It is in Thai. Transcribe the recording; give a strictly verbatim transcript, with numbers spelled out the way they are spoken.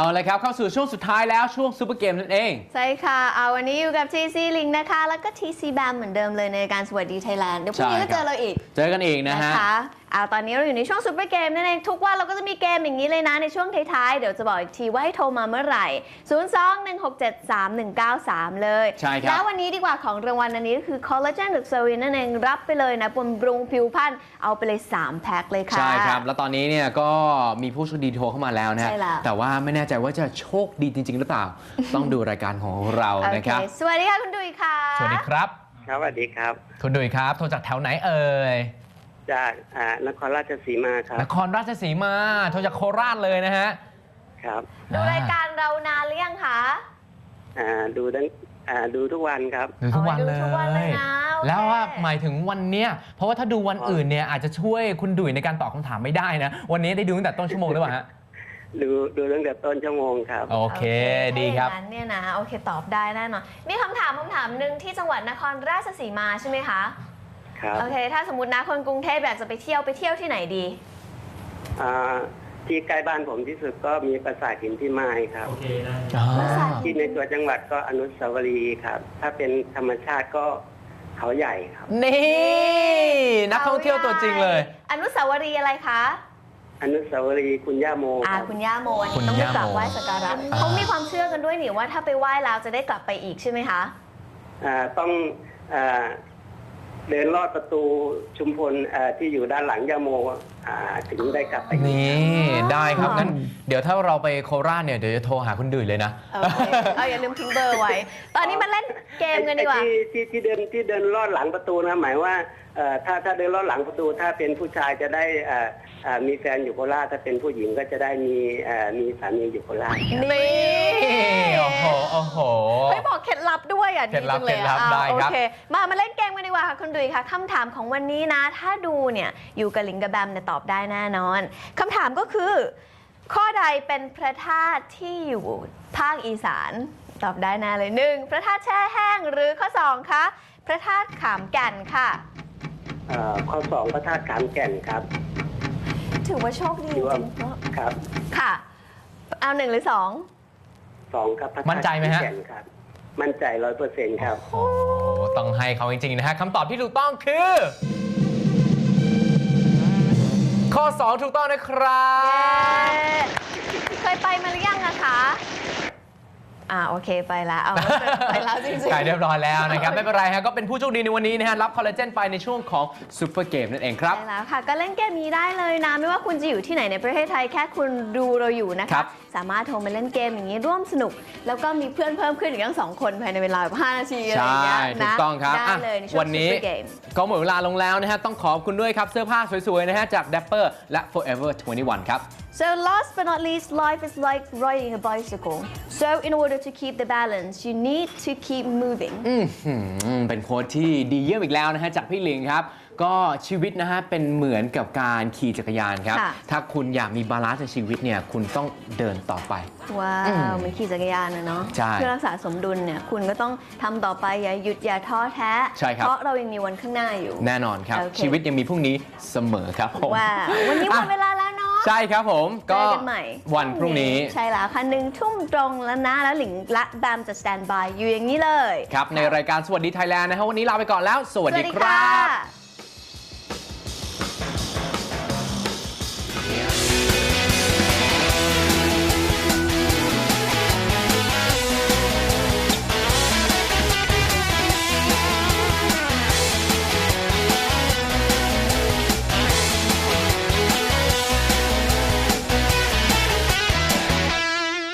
เลยครับเข้าสู่ช่วงสุดท้ายแล้วช่วงซูเปอร์เกมนั่นเองใช่ค่ะเอาวันนี้อยู่กับ ที ซี Link นะคะแล้วก็ ที ซี Bam เหมือนเดิมเลยในการสวัสดีไทยแลนด์เดี๋ยวพรุ่งนี้ก็เจอเราอีกเจอกันอีกนะฮะเอาตอนนี้เราอยู่ในช่วงซูเปอร์เกมนั่นเองทุกวันเราก็จะมีเกมอย่างนี้เลยนะในช่วงท้ายๆเดี๋ยวจะบอกอีกทีว่าให้โทรมาเมื่อไหร่ศูนย์ สอง หนึ่ง หก เจ็ด สาม หนึ่ง เก้า สามเลยใช่ครับแล้ววันนี้ดีกว่าของรางวัลอันนี้ก็คือคอลลาเจนหรือเซรีนนั่นเองรับไปเลยนะบำรุงผิวพรรณเอาไปเลยสามแพ็คเลยค่ะใช่ครับแล้วตอนนี้เนี่ยก็มีผู้โชคดีโทรเข้ามาแล้วนะแต่ว่าไม่แน่ใจว่าจะโชคดีจริงๆหรือเปล่าต้องดูรายการของเรานะครับสวัสดีค่ะคุณดุยค่ะสวัสดีครับครับสวัสดีครับคุณดุยครับโทรจากแถวไหนเอ่ยจากนครราชสีมาครับนครราชสีมาโทรจากโคราชเลยนะฮะครับดูรายการเรานานหรือยังคะอ่าดูตั้งอ่าดูทุกวันครับดูทุกวันเลยแล้วว่าหมายถึงวันเนี้ยเพราะว่าถ้าดูวันอื่นเนี่ยอาจจะช่วยคุณดุยในการตอบคำถามไม่ได้นะวันนี้ได้ดูตั้งแต่ต้นชั่วโมงหรือเปล่าฮะดูดูตั้งแต่ต้นชั่วโมงครับโอเคดีครับนั้นเนี่ยนะโอเคตอบได้แน่นอนมีคำถามคำถามหนึ่งที่จังหวัดนครราชสีมาใช่ไหมคะครับโอเคถ้าสมมตินะคนกรุงเทพอยากจะไปเที่ยวไปเที่ยวที่ไหนดีอ่าที่ใกล้บ้านผมที่สุดก็มีปราสาทหินพิมายครับโอเคนะที่ในตัวจังหวัดก็อนุสาวรีย์ครับถ้าเป็นธรรมชาติก็เขาใหญ่ครับนี่นักท่องเที่ยวตัวจริงเลยอนุสาวรีย์อะไรคะอนุสาวรีย์คุณย่าโมอ่าคุณย่าโมต้องไปกราบไหว้สักการะเขามีความเชื่อกันด้วยนี่ว่าถ้าไปไหว้แล้วจะได้กลับไปอีกใช่ไหมคะอ่าต้องอ่าเดินลอดประตูชุมพลที่อยู่ด้านหลังย่าโมถึงได้กลับไปนี่ได้ครับงั้นเดี๋ยวถ้าเราไปโคราชเนี่ยเดี๋ยวจะโทรหาคุณดุยเลยนะเอาอย่าลืมทิ้งเบอร์ไว้ตอนนี้มาเล่นเกมกันดีกว่าที่ที่เดินที่เดินลอดหลังประตูนะหมายว่าถ้าถ้าเดินลอดหลังประตูถ้าเป็นผู้ชายจะได้มีแฟนอยู่โคราชถ้าเป็นผู้หญิงก็จะได้มีมีสามีอยู่โคราชนี่โอ้โหโอ้โหไม่บอกเคล็ดลับด้วยอ่ะดีจังเลยอ่ะโอเคมามาเล่นเกมกันดีกว่าค่ะคุณดุยค่ะคำถามของวันนี้นะถ้าดูเนี่ยอยู่กับลิงกับแบมเนี่ยตอบได้แน่นอนคำถามก็คือข้อใดเป็นพระธาตุที่อยู่ภาคอีสานตอบได้แน่เลยหนึ่งพระธาตุแช่แห้งหรือข้อสองคะพระธาตุขามแก่นค่ะข้อสองพระธาตุขามแก่นครับถือว่าโชคดีจริงๆครับค่ะเอาหนึ่งหรือสองสองครับมั่นใจไหมฮะมั่นใจร้อยเปอร์เซ็นต์ครับโอ้ต้องให้เขาจริงๆนะฮะคำตอบที่ถูกต้องคือข้อสองถูกต้องนะครับเคยไปมาหรือยังอะคะอ่าโอเคไปแล้วเอาไปแล้วจริงๆใกล้เรียบร้อยแล้วนะครับไม่เป็นไรฮะก็เป็นผู้โชคดีในวันนี้นะฮะรับคอลลาเจนไปในช่วงของซูเปอร์เกมนั่นเองครับใช่แล้วค่ะก็เล่นเกมนี้ได้เลยนะไม่ว่าคุณจะอยู่ที่ไหนในประเทศไทยแค่คุณดูเราอยู่นะคะสามารถโทรมาเล่นเกมอย่างนี้ร่วมสนุกแล้วก็มีเพื่อนเพิ่มขึ้นอีกทั้งสองคนภายในเวลาแบบห้านาทีอะไรอย่างเงี้ยนะถูกต้องครับได้เลยในช่วงซูเปอร์เกมก็หมดเวลาลงแล้วนะฮะต้องขอบคุณด้วยครับเสื้อผ้าสวยๆนะฮะจาก Dapper และ Forever ยี่สิบเอ็ด ครับ So last but not least, life is like riding a bicycle. So in order to keep the balance, you need to keep moving. อืมเป็นโค้ดที่ดีเยี่ยมอีกแล้วนะฮะจากพี่ลิงครับก็ชีวิตนะฮะเป็นเหมือนกับการขี่จักรยานครับถ้าคุณอยากมีบาลานซ์ในชีวิตเนี่ยคุณต้องเดินต่อไปว้าวมันขี่จักรยานนะเนาะเพื่อรักษาสมดุลเนี่ยคุณก็ต้องทำต่อไปอย่าหยุดอย่าท้อแท้เพราะเรายังมีวันข้างหน้าอยู่แน่นอนครับชีวิตยังมีพรุ่งนี้เสมอครับผมว้าววันนี้หมดเวลาแล้วเนาะใช่ครับผมก็กันใหม่วันพรุ่งนี้ใช่แล้วค่ะหนึ่งทุ่มตรงแล้วนะแล้วหลิงและแบมจะสแตนบายอยู่อย่างนี้เลยครับในรายการสวัสดีไทยแลนด์นะครับวันนี้ลาไปก่อนแล้วสวัสดีครับ